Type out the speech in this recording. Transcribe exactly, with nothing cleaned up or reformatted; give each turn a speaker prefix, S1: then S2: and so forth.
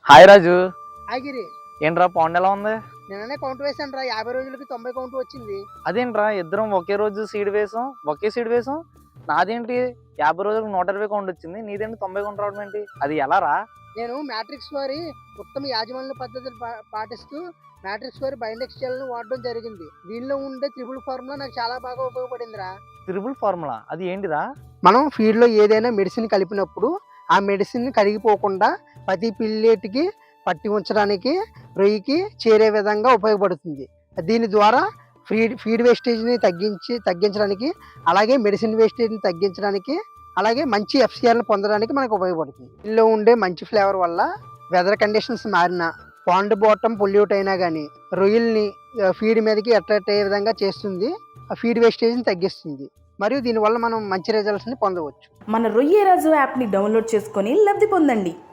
S1: Hi రాజు.
S2: ఆగిరి
S1: ఏంట్రా pound ఎలా ఉంది?
S2: నిన్ననే కౌంట్ వేసాను రా, యాభై రోజులకి తొంభై కౌంట్ వచ్చింది.
S1: అదేంట్రా ఇద్దరం ఒకే రోజు సీడ్ వేసాం, ఒకే సీడ్ వేసాం. నాదేంటి యాభై రోజులకు నూట ఇరవై కౌంట్ వచ్చింది, నీదేంటి తొంభై కౌంట్ రావడం ఏంటి? అది ఎలా రా?
S2: నేను మ్యాట్రిక్స్ వారి ఉత్తమ యాజమాన్య పద్ధతులు పా- పాటిస్తూ మ్యాట్రిక్స్ వారి బైండెక్స్ ను వాడడం జరిగింది. దీనిలో ఉండే త్రిబుల్ ఫార్ములా నాకు చాలా బాగా ఉపయోగపడిందిరా.
S1: త్రిబుల్ ఫార్ములా అది ఏంటిరా?
S2: మనం ఫీడ్ లో ఏదైనా మెడిసిన్ కలిపినప్పుడు ఆ మెడిసిన్ కరిగిపోకుండా ప్రతి పిల్లెటికి పట్టి ఉంచడానికి రొయ్యికి చేరే విధంగా ఉపయోగపడుతుంది. దీని ద్వారా ఫీడ్ ఫీడ్ వేస్టేజ్ని తగ్గించి తగ్గించడానికి, అలాగే మెడిసిన్ వేస్టేజ్ని తగ్గించడానికి, అలాగే మంచి ఎఫ్సిఆర్ని పొందడానికి మనకు ఉపయోగపడుతుంది. ఇందులో ఉండే మంచి ఫ్లేవర్ వల్ల వెదర్ కండిషన్స్ మారినా, పాండ్ బాటమ్ పొల్యూట్ అయినా కానీ రొయ్యల్ని ఫీడ్ మీదకి అట్రాక్ట్ అయ్యే విధంగా చేస్తుంది. ఆ ఫీడ్ వేస్టేజ్ని తగ్గిస్తుంది. మరియు దీనివల్ల మనం మంచి రిజల్ట్స్ని పొందవచ్చు.
S3: మన రొయ్యరాజు యాప్ని డౌన్లోడ్ చేసుకొని లబ్ధి పొందండి.